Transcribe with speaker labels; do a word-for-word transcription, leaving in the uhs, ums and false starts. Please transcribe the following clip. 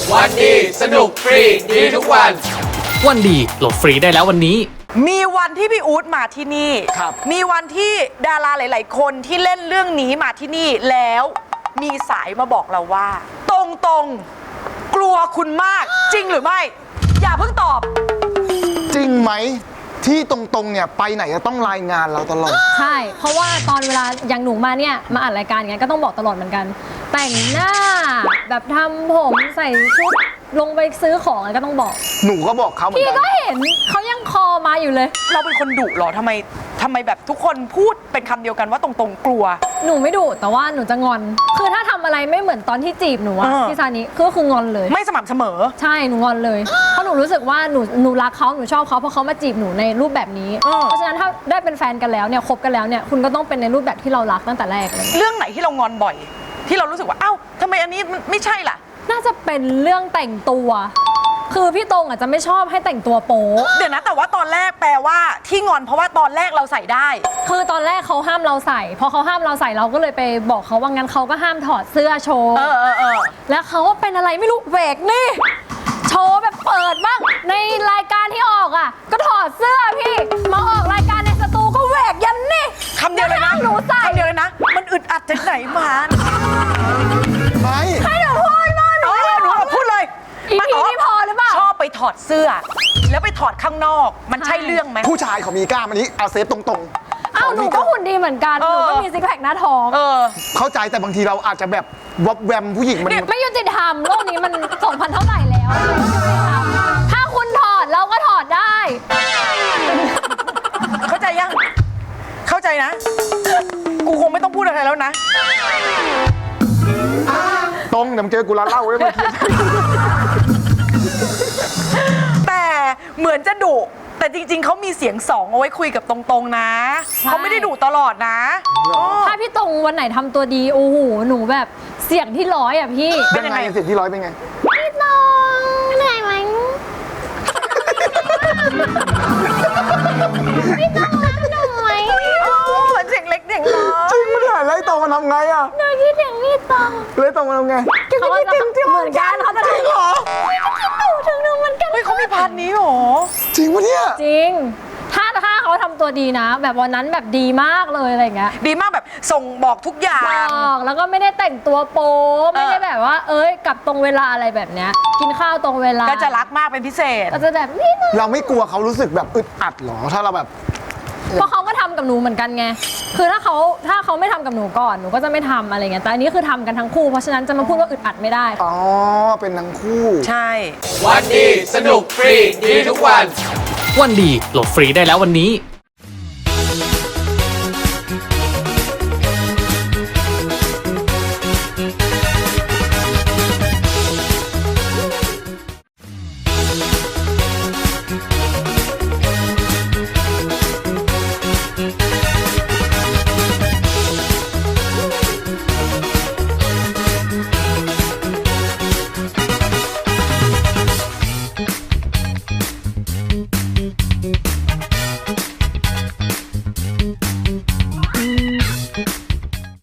Speaker 1: วันดีสนุกฟรีดีทุกวัน
Speaker 2: วันดีโหลดฟรีได้แล้ววันนี้
Speaker 3: มีวันที่พี่อู๊ดมาที่นี่มีวันที่ดาราหลาย ๆ คนที่เล่นเรื่องนี้มาที่นี่แล้วมีสายมาบอกเราว่า ตรงตรงกลัวคุณมากจริงหรือไม่ อย่าเพิ่งตอบ
Speaker 4: จริงไหมที่ตรงๆเนี่ยไปไหนจะต้องรายงานเราตลอด
Speaker 5: ใช่เพราะว่าตอนเวลาอย่างหนูมาเนี่ยมาอัดรายการอย่างเงี้ยก็ต้องบอกตลอดเหมือนกันแต่งหน้าแบบทำผมใส่ชุดลงไปซื้อของอะไรก็ต้องบอก
Speaker 4: หนูก็บอกเขาเหมือนกัน
Speaker 5: พี่ก็เห็นเขายังคอมาอยู่เลย
Speaker 3: เราเป็นคนดุหรอทำไมทำไมแบบทุกคนพูดเป็นคำเดียวกันว่าตรงๆกลัว
Speaker 5: หนูไม่ดุแต่ว่าหนูจะงอนคือถ้าทำอะไรไม่เหมือนตอนที่จีบหนูอะพี่ซานิก็คืองอนเลย
Speaker 3: ไม่สม่ำเสมอ
Speaker 5: ใช่หนูงอนเลยเพราะหนูรู้สึกว่าหนูหนูรักเขาหนูชอบเขาเพราะเขามาจีบหนูในรูปแบบนี้เพราะฉะนั้นถ้าได้เป็นแฟนกันแล้วเนี่ยคบกันแล้วเนี่ยคุณก็ต้องเป็นในรูปแบบที่เรารักตั้งแต่แรกเลย
Speaker 3: เรื่องไหนที่เรางอนบ่อยที่เรารู้สึกว่าเอ้าทำไมอันนี้มันไม่ใช่ล่ะ
Speaker 5: น่าจะเป็นเรื่องแต่งตัวคือพี่ตรงอาจจะไม่ชอบให้แต่งตัวโป๊
Speaker 3: เดี๋ยวนะแต่ว่าตอนแรกแปลว่าที่งอนเพราะว่าตอนแรกเราใส่ได้
Speaker 5: คือตอนแรกเขาห้ามเราใส่พอเขาห้ามเราใส่เราก็เลยไปบอกเขาว่างั้นเขาก็ห้ามถอดเสื้อโชว์
Speaker 3: เออเออเออ
Speaker 5: แล้วเขาเป็นอะไรไม่รู้เวกนี่โชว์แบบเปิดบ้างในรายการที่ออกอ่ะก็ถอดเสื้อพี่มาออกรายการในสตูก็เวกยันนี่
Speaker 3: คำเดียวเลยนะ
Speaker 5: หนูใส่
Speaker 3: คำเดียวเลยนะมันอึดอัดจากไหนมา
Speaker 4: ไม่
Speaker 5: ให้หนูพูดมาหนู
Speaker 3: หนูพูดเลย
Speaker 5: อีพีนี่พอหรือเปล่า
Speaker 3: ชอบไปถอดเสื้อแล้วไปถอดข้างนอกมันใช่เรื่องไหม
Speaker 4: ผู้ชายเขามีกล้ามอันนี้เอาเซฟตรง
Speaker 5: ๆอ้าวหนูก็หุ่นดีเหมือนกันหนูก็มีซิกแพคหน้าท้อง
Speaker 4: เข้าใจแต่บางทีเราอาจจะแบบวับแวมผู้หญิงมัน
Speaker 5: ไม่ยุติธรรมโลกนี้มันสองพันเท่าไหร่แล้วถ้าคุณถอดเราก็ถอดได้
Speaker 3: เข้าใจยังเข้าใจนะกูคงไม่ต้องพูดอะไรแล้วนะ
Speaker 4: ตรงเดี๋ยวเจอกูร้านเหล้าได้ไหม
Speaker 3: แต่เหมือนจะดุแต่จริงๆเขามีเสียงสองเอาไว้คุยกับตรงๆนะเขาไม่ได้ดุตลอดนะ
Speaker 5: ถ้าพี่ตรงวันไหนทำตัวดีโอ้โหหนูแบบเสียงที่ร้อยอ่ะพี่
Speaker 4: เป็นยังไงเสียงที่ร้อยเป็นไง
Speaker 5: พี่ตรงเหนื่อยไหมพี่ตรงรักหนูไหม
Speaker 3: เหมือนเสียงเล็กเสียงน้อย
Speaker 4: จริงไม่ได้ไรตรงมันทำไงอ่ะ
Speaker 5: หนูคิดถึงพี่ตรง
Speaker 4: เลยตรงมันทำไง
Speaker 5: เขาจะเหมือนกันเขาจะถึงหรอคิดหนูถึงหนูเหมือนกัน
Speaker 3: เฮ้ยเขามีพาร์ทนี้หรอ
Speaker 4: จริงปะเนี่ย
Speaker 5: จริงถ้าถ้าเขาทำตัวดีนะแบบวันนั้นแบบดีมากเลยอะไรเงี้ย
Speaker 3: ดีมากแบบส่งบอกทุกอย่าง
Speaker 5: บอกแล้วก็ไม่ได้แต่งตัวโป๊ไม่ได้แบบว่าเอ้ยกลับตรงเวลาอะไรแบบเนี้ยกินข้าวตรงเวลา
Speaker 3: ก็จะรักมากเป็นพิเศษ
Speaker 5: ก็จะแบบนี่
Speaker 4: เราไม่กลัวเขารู้สึกแบบอึดอัดหรอถ้าเราแบบ
Speaker 5: เพราะเขาก็ทำกับหนูเหมือนกันไงคือถ้าเขาถ้าเขาไม่ทำกับหนูก่อนหนูก็จะไม่ทำอะไรเงี้ยแต่อันนี้คือทำกันทั้งคู่เพราะฉะนั้นจะมาพูดว่าอึดอัดไม่ได้
Speaker 4: อ๋อเป็นทั้งคู่
Speaker 3: ใช่
Speaker 1: วันดีสนุกฟรีดีทุกวัน
Speaker 2: วันดีโหลดฟรีได้แล้ววันนี้